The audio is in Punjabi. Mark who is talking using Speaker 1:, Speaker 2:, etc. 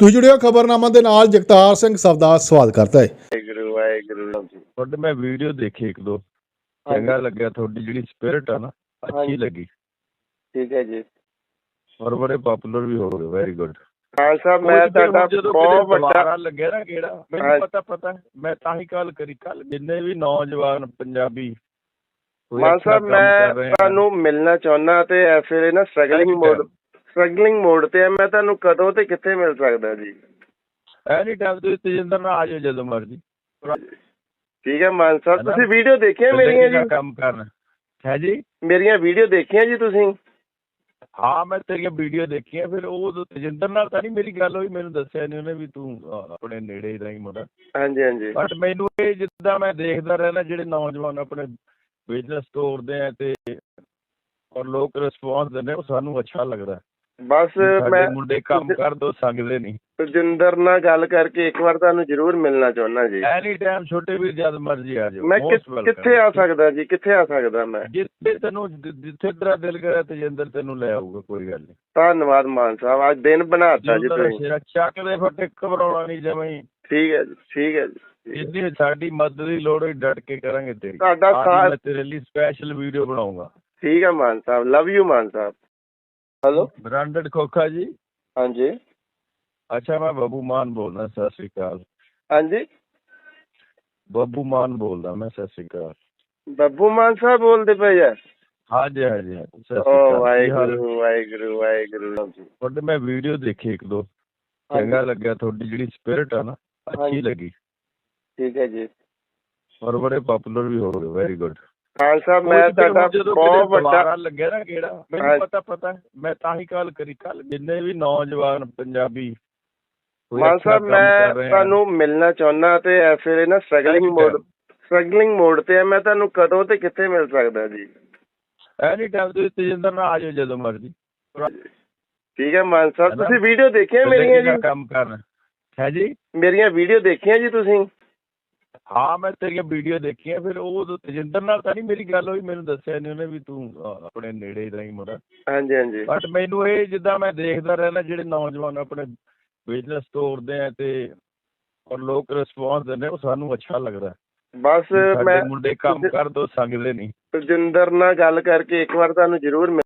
Speaker 1: ਤੁਸੀਂ ਜੁੜਿਓ ਖਬਰਨਾਮਾ ਦੇ ਨਾਲ ਜਗਤਾਰ ਸਿੰਘ ਸਵਦਾ ਸਵਾਗਤ ਕਰਦਾ ਹੈ।
Speaker 2: ਵਾਹਿਗੁਰੂ ਵਾਹਿਗੁਰੂ ਜੀ।
Speaker 3: ਤੁਹਾਡੇ ਮੈਂ ਵੀਡੀਓ ਦੇਖੀ ਇੱਕ ਦੋ, ਚੰਗਾ ਲੱਗਿਆ। ਤੁਹਾਡੀ ਜਿਹੜੀ ਸਪਿਰਿਟ ਆ ਨਾ ਅੱਛੀ ਲੱਗੀ,
Speaker 2: ਠੀਕ ਹੈ ਜੀ।
Speaker 3: ਔਰ ਬੜੇ ਪਪੂਲਰ ਵੀ ਹੋ ਗਏ। Very good.
Speaker 2: ਹਾਂ ਸਾਹਿਬ, ਮੈਂ ਤੁਹਾਡਾ ਬਹੁਤ ਵੱਡਾ
Speaker 3: ਲੱਗਿਆ ਨਾ ਕਿਹੜਾ ਮੈਨੂੰ ਪਤਾ ਮੈਂ ਤਾਂ ਹੀ ਕਾਲ ਕਰੀ। ਕੱਲ ਜਿੰਨੇ ਵੀ ਨੌਜਵਾਨ ਪੰਜਾਬੀ
Speaker 2: ਮਾਨ ਸਾਹਿਬ, ਮੈਂ ਤੁਹਾਨੂੰ ਮਿਲਣਾ ਚਾਹੁੰਦਾ ਤੇ ਇਸ ਵੇਲੇ ਨਾ ਸਟਰਗਲਿੰਗ ਮੋਡ ਤੇ ਆ। ਮੈਂ ਤੁਹਾਨੂੰ ਕਦੋਂ ਤੇ ਕਿੱਥੇ ਮਿਲ ਸਕਦਾ ਜੀ?
Speaker 3: ਐਨੀ ਟਾਈਮ ਤੁਸੀਂ ਤੇਜਿੰਦਰ ਨਾਲ ਆ ਜਾਓ ਜਦੋਂ ਮਰਜ਼ੀ।
Speaker 2: ਠੀਕ ਹੈ ਮਾਨ ਸਾਹਿਬ, ਤੁਸੀਂ ਵੀਡੀਓ ਦੇਖੀਆਂ ਮੇਰੀਆਂ ਜੀ?
Speaker 3: ਕੰਮ ਕਰਨਾ ਹੈ ਜੀ।
Speaker 2: ਮੇਰੀਆਂ ਵੀਡੀਓ ਦੇਖੀਆਂ ਜੀ ਤੁਸੀਂ?
Speaker 3: ਹਾਂ, ਮੈਂ ਤੇਰੀਆਂ ਵੀਡੀਓ ਦੇਖੀਆਂ। ਫਿਰ ਉਹ ਤੇਜਿੰਦਰ ਨਾਲ ਤਾਂ ਨਹੀਂ ਮੇਰੀ ਗੱਲ ਹੋਈ, ਮੈਨੂੰ ਦੱਸਿਆ ਨਹੀਂ ਉਹਨੇ ਵੀ ਤੂੰ ਆਪਣੇ ਨੇੜੇ ਦਾ ਹੀ ਮੁੰਡਾ।
Speaker 2: ਹਾਂਜੀ ਹਾਂਜੀ।
Speaker 3: ਬਟ ਮੈਨੂੰ ਇਹ ਜਿੱਦਾਂ ਮੈਂ ਦੇਖਦਾ ਰਹਿਣਾ, ਜਿਹੜੇ ਨੌਜਵਾਨ ਆਪਣੇ ਬਿਜ਼ਨਸ ਤੋਰਦੇ ਆ ਤੇ ਔਰ ਲੋਕ ਰਿਸਪੌਂਸ ਦਿੰਦੇ, ਉਹ ਸਾਨੂੰ ਅੱਛਾ ਲੱਗਦਾ।
Speaker 2: ਬਸ ਮੈਂ
Speaker 3: ਮੁੰਡੇ ਕੰਮ ਕਰ ਦੋ ਸੰਗਦੇ ਨਹੀਂ।
Speaker 2: ਤੇਜਿੰਦਰ ਨਾਲ ਗੱਲ ਕਰਕੇ ਇੱਕ ਵਾਰ ਤੁਹਾਨੂੰ ਜ਼ਰੂਰ ਮਿਲਣਾ ਚਾਹੁੰਦਾ ਜੀ।
Speaker 3: ਐਨੀ ਟਾਈਮ ਛੋਟੇ ਵੀਰ ਜਦ ਮਰਜ਼ੀ ਆ ਜਾਓ।
Speaker 2: ਮੈਂ ਕਿੱਥੇ ਆ ਸਕਦਾ ਜੀ? ਕਿੱਥੇ ਆ ਸਕਦਾ ਮੈਂ?
Speaker 3: ਜਿੱਥੇ ਤੇਰਾ ਦਿਲ ਕਰੇ ਤੇਜਿੰਦਰ ਤੈਨੂੰ ਲੈ ਆਊਗਾ, ਕੋਈ ਗੱਲ ਨਹੀਂ।
Speaker 2: ਧੰਨਵਾਦ ਮਾਨ ਸਾਹਿਬ, ਅੱਜ ਦਿਨ ਬਣਾਤਾ ਜੀ ਤੁਸੀਂ।
Speaker 3: ਚੱਕ ਦੇ ਫੱਟੇ, ਘਬਰਾਉਣਾ ਨਹੀਂ ਜਮਾਂ।
Speaker 2: ਠੀਕ ਹੈ ਜੀ, ਠੀਕ ਹੈ ਜੀ।
Speaker 3: ਜਿੰਨੀ ਸਾਡੀ ਮਦਦ ਦੀ ਲੋੜ ਹੋਈ ਡਟ ਕੇ ਕਰਾਂਗੇ ਤੇਰੀ।
Speaker 2: ਤੁਹਾਡਾ ਸਾਥ,
Speaker 3: ਮੈਂ ਤੇਰੇ ਲਈ ਸਪੈਸ਼ਲ ਵੀਡੀਓ ਬਣਾਉਂਗਾ।
Speaker 2: ਠੀਕ ਹੈ ਮਾਨ ਸਾਹਿਬ, ਲਵ ਯੂ ਮਾਨ ਸਾਹਿਬ। ਹੈਲੋ,
Speaker 3: ਬ੍ਰਾਂਡਡ ਖੋਖਾ ਜੀ।
Speaker 2: ਹਾਂਜੀ।
Speaker 3: ਅੱਛਾ, ਮੈਂ ਬੱਬੂ ਮਾਨ ਬੋਲਦਾ। ਸਤਿ ਸ਼੍ਰੀ ਅਕਾਲ।
Speaker 2: ਹਾਂਜੀ,
Speaker 3: ਬੱਬੂ ਮਾਨ ਬੋਲਦਾ ਮੈਂ। ਸਤਿ ਸ਼੍ਰੀ ਅਕਾਲ।
Speaker 2: ਬੱਬੂ ਮਾਨ ਸਾਹਿਬ ਬੋਲਦੇ ਪਏ ਆ?
Speaker 3: ਹਾਂਜੀ ਹਾਂਜੀ ਹਾਂਜੀ। ਸਤਿ ਸ਼੍ਰੀ
Speaker 2: ਓ
Speaker 3: ਅਕਾਲ।
Speaker 2: ਵਾਹਿਗੁਰੂ ਵਾਹਿਗੁਰੂ ਵਾਹਿਗੁਰੂ ਜੀ।
Speaker 3: ਤੁਹਾਡੇ ਮੈਂ ਵੀਡੀਓ ਦੇਖੀ ਇੱਕ ਦੋ, ਚੰਗਾ ਲੱਗਿਆ। ਤੁਹਾਡੀ ਜਿਹੜੀ ਸਪਿਰਿਟ ਆ ਨਾ ਅੱਛੀ ਲੱਗੀ,
Speaker 2: ਠੀਕ ਹੈ ਜੀ।
Speaker 3: ਔਰ ਬੜੇ ਪਪੂਲਰ ਵੀ ਹੋ ਗਏ। Very good.
Speaker 2: ਹਾਂ ਸਾਹਿਬ, ਮੈਂ ਤੁਹਾਡਾ ਬਹੁਤ ਵੱਡਾ
Speaker 3: ਲੱਗਿਆ ਨਾ ਕਿਹੜਾ ਮੈਨੂੰ ਪਤਾ ਮੈਂ ਤਾਂ ਹੀ ਕਾਲ ਕਰੀ। ਕੱਲ ਜਿੰਨੇ ਵੀ ਨੌਜਵਾਨ ਪੰਜਾਬੀ
Speaker 2: ਮਾਨ ਸਾਹਿਬ, ਮੈਂ ਤੁਹਾਨੂੰ ਮਿਲਣਾ ਚਾਹੁੰਦਾ ਤੇ ਇਸ ਵੇਲੇ ਨਾ ਸਟਰਗਲਿੰਗ ਮੋਡ ਤੇ ਆ। ਮੈਂ ਤੁਹਾਨੂੰ ਕਦੋਂ ਤੇ ਕਿੱਥੇ ਮਿਲ ਸਕਦਾ ਜੀ?
Speaker 3: ਐਨੀ ਟਾਈਮ ਤੁਸੀਂ ਤੇਜਿੰਦਰ ਨਾਲ ਆ ਜਾਓ ਜਦੋਂ ਮਰਜ਼ੀ।
Speaker 2: ਠੀਕ ਹੈ ਮਾਨ ਸਾਹਿਬ, ਤੁਸੀਂ ਵੀਡੀਓ ਦੇਖੀਆਂ ਮੇਰੀਆਂ ਜੀ?
Speaker 3: ਕੰਮ ਕਰਨਾ ਹੈ ਜੀ।
Speaker 2: ਮੇਰੀਆਂ ਵੀਡੀਓ ਦੇਖੀਆਂ ਜੀ ਤੁਸੀਂ?
Speaker 3: ਹਾਂ, ਮੈਂ ਤੇਰੀਆਂ ਵੀਡੀਓ ਦੇਖੀਆਂ। ਫਿਰ ਉਹ ਤੇਜਿੰਦਰ ਨਾਲ ਤਾਂ ਨਹੀਂ ਮੇਰੀ ਗੱਲ ਹੋਈ, ਮੈਨੂੰ ਦੱਸਿਆ ਨਹੀਂ ਉਹਨੇ ਵੀ ਤੂੰ ਆਪਣੇ ਨੇੜੇ ਦਾ ਹੀ ਮੁੰਡਾ।
Speaker 2: ਹਾਂਜੀ ਹਾਂਜੀ।
Speaker 3: ਬਟ ਮੈਨੂੰ ਇਹ ਜਿੱਦਾਂ ਮੈਂ ਦੇਖਦਾ ਰਹਿਣਾ, ਜਿਹੜੇ ਨੌਜਵਾਨ ਆਪਣੇ ਬਿਜ਼ਨਸ ਤੋਰਦੇ ਆ ਤੇ ਔਰ ਲੋਕ ਰਿਸਪੌਂਸ ਦਿੰਦੇ, ਉਹ ਸਾਨੂੰ ਅੱਛਾ ਲੱਗਦਾ।
Speaker 2: ਬਸ ਮੈਂ
Speaker 3: ਮੁੰਡੇ ਕੰਮ ਕਰ ਦੋ ਸੰਗਦੇ ਨਹੀਂ।
Speaker 2: ਤੇਜਿੰਦਰ ਨਾਲ ਗੱਲ ਕਰਕੇ ਇੱਕ ਵਾਰ ਤੁਹਾਨੂੰ ਜ਼ਰੂਰ